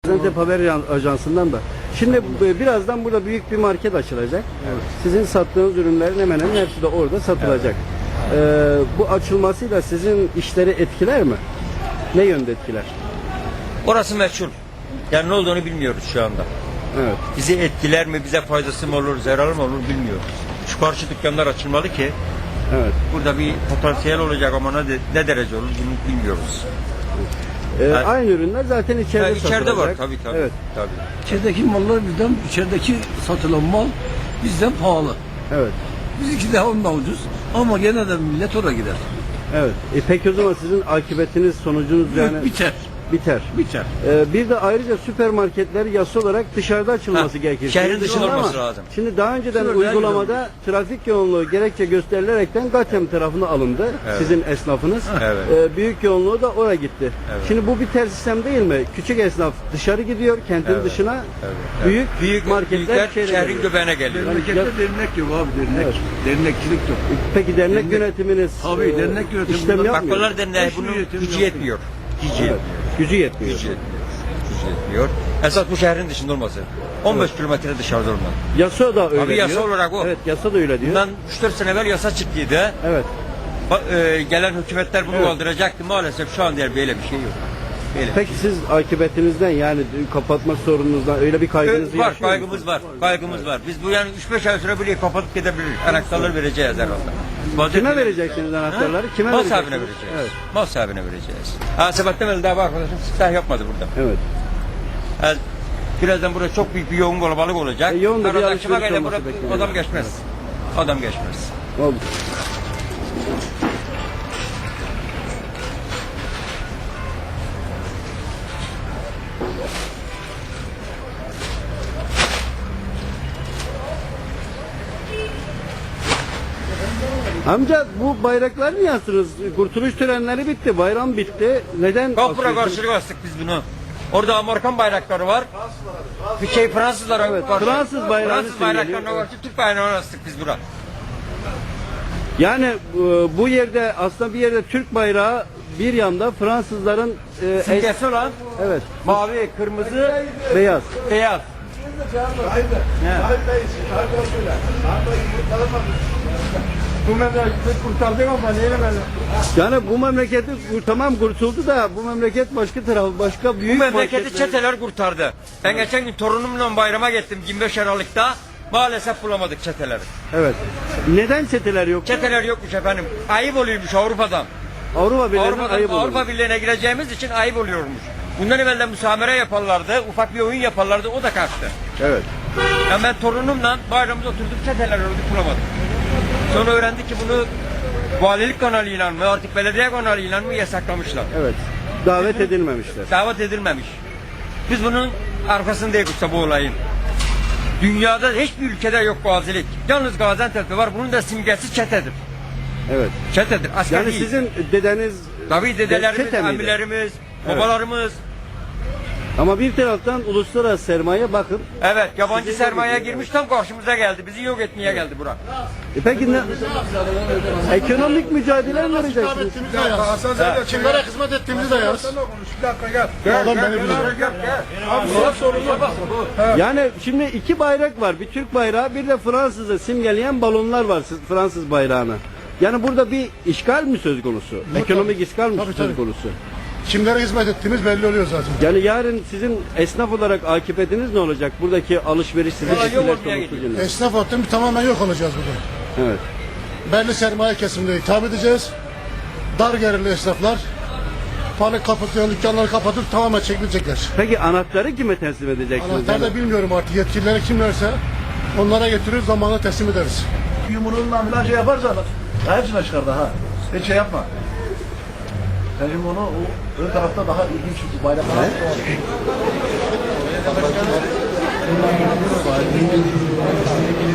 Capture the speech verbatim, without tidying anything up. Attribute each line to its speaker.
Speaker 1: Gaziantep Haber Ajansı'ndan da. Şimdi birazdan burada büyük bir market açılacak. Evet. Sizin sattığınız ürünlerin hemen hemen hepsi de orada satılacak. Evet. Ee, bu açılmasıyla sizin işleri etkiler mi? Ne yönde etkiler?
Speaker 2: Orası meçhul. Yani ne olduğunu bilmiyoruz şu anda.
Speaker 1: Evet.
Speaker 2: Bizi etkiler mi, bize faydası mı olur, zararı mı olur bilmiyoruz. Şu karşı dükkanlar açılmalı ki
Speaker 1: evet.
Speaker 2: Burada bir potansiyel olacak ama ne, ne derece olur bunu bilmiyoruz.
Speaker 1: Ee, yani, aynı ürünler zaten içeride
Speaker 2: yani içeride
Speaker 1: satılacak.
Speaker 2: var tabii tabii.
Speaker 1: Evet.
Speaker 2: tabii.
Speaker 3: İçerideki mallar bizden, içerideki satılan mal bizden pahalı.
Speaker 1: Evet.
Speaker 3: Bizimki daha ondan ucuz ama gene de millet oraya gider.
Speaker 1: Evet. E peki o zaman sizin akıbetiniz, sonucunuz yani
Speaker 3: biter.
Speaker 1: Biter.
Speaker 3: Biter.
Speaker 1: Ee, bir de ayrıca süpermarketler yasa olarak dışarıda açılması
Speaker 2: ha,
Speaker 1: gerekir.
Speaker 2: Şehrin dışında
Speaker 1: ama
Speaker 2: olması lazım.
Speaker 1: Şimdi daha önceden
Speaker 3: Şöyle
Speaker 1: uygulamada trafik yoğunluğu gerekçe gösterilerekten Gatem tarafına alındı.
Speaker 2: Evet.
Speaker 1: Sizin esnafınız.
Speaker 2: Evet.
Speaker 1: Ee, büyük yoğunluğu da oraya gitti.
Speaker 2: Evet.
Speaker 1: Şimdi bu bir ters sistem değil mi? Küçük esnaf dışarı gidiyor kentin
Speaker 2: Evet.
Speaker 1: dışına.
Speaker 2: Evet.
Speaker 1: Büyük,
Speaker 2: büyük
Speaker 1: marketler
Speaker 2: büyükler
Speaker 1: şehre
Speaker 2: şehrin
Speaker 1: geliyor.
Speaker 2: göbeğine geliyor.
Speaker 3: Memlekette
Speaker 1: Ya-
Speaker 3: dernek yok abi dernek.
Speaker 1: Evet.
Speaker 3: Dernekçilik yok.
Speaker 1: Peki dernek,
Speaker 3: Dernek-
Speaker 1: yönetiminiz
Speaker 3: Tabii,
Speaker 1: e,
Speaker 3: dernek yönetimi
Speaker 1: işlem
Speaker 3: bunlar-
Speaker 1: yapmıyor.
Speaker 2: Bakkallar derneği
Speaker 3: Hiçbir
Speaker 2: bunun
Speaker 3: yönetim
Speaker 2: gücü
Speaker 3: yok.
Speaker 2: yetmiyor. Gücü
Speaker 1: Evet.
Speaker 2: yetmiyor.
Speaker 1: Gücü yetmiyor.
Speaker 2: Gücü yetmiyor. Gücü yetmiyor. Esas bu şehrin dışında olması. on beş kilometre dışarıda olmalı.
Speaker 1: Yasa da öyle
Speaker 2: Abi yasa
Speaker 1: diyor.
Speaker 2: olarak o.
Speaker 1: Evet, yasa da öyle diyor.
Speaker 2: Bundan üç dört sene evvel yasa çıktıydı.
Speaker 1: Evet.
Speaker 2: Ba- e, gelen hükümetler bunu
Speaker 1: Evet.
Speaker 2: kaldıracaktı. Maalesef şu an diğer böyle bir şey yok. Böyle.
Speaker 1: Peki siz akıbetinizden yani kapatma sorununuzdan öyle bir kaygınızı
Speaker 2: Ö- var,
Speaker 1: yaşıyor
Speaker 2: kaygımız
Speaker 1: musunuz?
Speaker 2: var. Kaygımız var. Biz bu yani üç beş ay sonra burayı kapatıp gidebiliriz. Anahtarları vereceğiz herhalde.
Speaker 1: Kime vereceksiniz anahtarları? Kime
Speaker 2: Mal
Speaker 1: vereceksiniz?
Speaker 2: sahibine vereceğiz.
Speaker 1: Evet.
Speaker 2: Mal sahibine vereceğiz. Ha Sebahattin Veli daha bir arkadaşım siftah yapmadı burada.
Speaker 1: Evet.
Speaker 2: Yani birazdan burada çok büyük bir yoğun kalabalık olacak.
Speaker 1: E, yoğun da bir
Speaker 2: Arada
Speaker 1: alışveriş
Speaker 2: akşama kadar
Speaker 1: olması
Speaker 2: burada
Speaker 1: bekleniyor.
Speaker 2: adam geçmez. Adam geçmez.
Speaker 1: Oldu. Amca bu bayraklar niye asıyorsunuz? Kurtuluş törenleri bitti, bayram bitti. Neden
Speaker 2: Kapıra
Speaker 1: asıyorsunuz?
Speaker 2: karşılık astık biz bunu. Orada Amerikan bayrakları var. Bir şey Fransızlara
Speaker 1: Evet,
Speaker 2: karşı.
Speaker 1: Fransız bayrağını
Speaker 2: Fransız bayraklarına
Speaker 1: simgeliyor.
Speaker 2: karşı Türk bayrağını astık biz buna.
Speaker 1: Yani e, bu yerde aslında bir yerde Türk bayrağı, bir yanda Fransızların e, es-
Speaker 2: Simgesi olan
Speaker 1: evet,
Speaker 2: mavi, kırmızı,
Speaker 1: beyaz.
Speaker 2: beyaz. Bu memleketi kurtardık ama neyle
Speaker 1: Yani bu memleketi tamam kurtuldu da bu memleket başka tarafı, başka büyük
Speaker 2: Bu memleketi
Speaker 1: marketler-
Speaker 2: çeteler kurtardı. Ben geçen gün torunumla bayrama gittim yirmi beş Aralık'ta. Maalesef bulamadık çeteleri.
Speaker 1: Evet. Neden çeteler yok?
Speaker 2: Çeteler yokmuş efendim. Ayıp oluyormuş Avrupa'dan.
Speaker 1: Avrupa Birliği'nden
Speaker 2: Avrupa'dan
Speaker 1: ayıp olur.
Speaker 2: Avrupa Birliği'ne gireceğimiz için ayıp oluyormuş. Bundan evvel de müsamere yaparlardı, ufak bir oyun yaparlardı, o da kaçtı.
Speaker 1: Evet.
Speaker 2: Yani ben torunumla bayramda oturduk, çeteler ördük, bulamadık. Sonra öğrendik ki bunu valilik kanalıyla mı, artık belediye kanalıyla mı yasaklamışlar.
Speaker 1: Evet. Davet edilmemişler.
Speaker 2: Davet edilmemiş. Biz bunun arkasındayız usta bu olayın. Dünyada hiçbir ülkede yok gazilik. Yalnız Gaziantep'te var. Bunun da simgesi çetedir.
Speaker 1: Evet.
Speaker 2: Çetedir. Asker
Speaker 1: Yani
Speaker 2: değil.
Speaker 1: sizin dedeniz
Speaker 2: Tabii dedelerimiz,
Speaker 1: çete miydi?
Speaker 2: abilerimiz,
Speaker 1: Evet.
Speaker 2: babalarımız.
Speaker 1: Ama bir taraftan uluslararası sermaye bakın.
Speaker 2: Evet, yabancı
Speaker 1: Sizi
Speaker 2: sermaye
Speaker 1: yok ediyor,
Speaker 2: girmiş tam karşımıza geldi. Bizi yok etmeye geldi bura.
Speaker 1: E peki ne? Ekonomik mücadele mi vereceksiniz?
Speaker 4: ettiğimizi de yaz. Kimlere hizmet ettiğimizi de yaz. Adam beni biliyor.
Speaker 1: Yani şimdi iki bayrak var. Bir Türk bayrağı, bir de Fransız'ı simgeleyen balonlar var Fransız bayrağına. Yani burada bir işgal mi söz konusu? Ekonomik işgal mi
Speaker 4: Tabii,
Speaker 1: söz
Speaker 4: tabii.
Speaker 1: konusu?
Speaker 4: Kimlere hizmet ettiğimiz belli oluyor zaten.
Speaker 1: Yani yarın sizin esnaf olarak akıbetiniz ne olacak? Buradaki alışveriş sizin
Speaker 2: Vallahi yok
Speaker 1: etkiler
Speaker 2: olmaya
Speaker 1: sonucu
Speaker 2: gidiyor.
Speaker 1: yine.
Speaker 4: Esnaf hattım tamamen yok olacağız burada.
Speaker 1: Evet.
Speaker 4: Belli sermaye kesimine hitap edeceğiz. Dar gelirli esnaflar panik kapatıyor, dükkanları kapatıp tamamen çekilecekler.
Speaker 1: Peki anahtarı kime teslim edeceksiniz?
Speaker 4: Anahtar da bilmiyorum artık yetkilileri kimlerse onlara getirir zamanla teslim ederiz.
Speaker 5: Yumruğundan falan şey yaparsan daha hepsine çıkardı ha. Hiç şey yapma. Sen şimdi onu o ön tarafta daha ilginç bir bayrak var.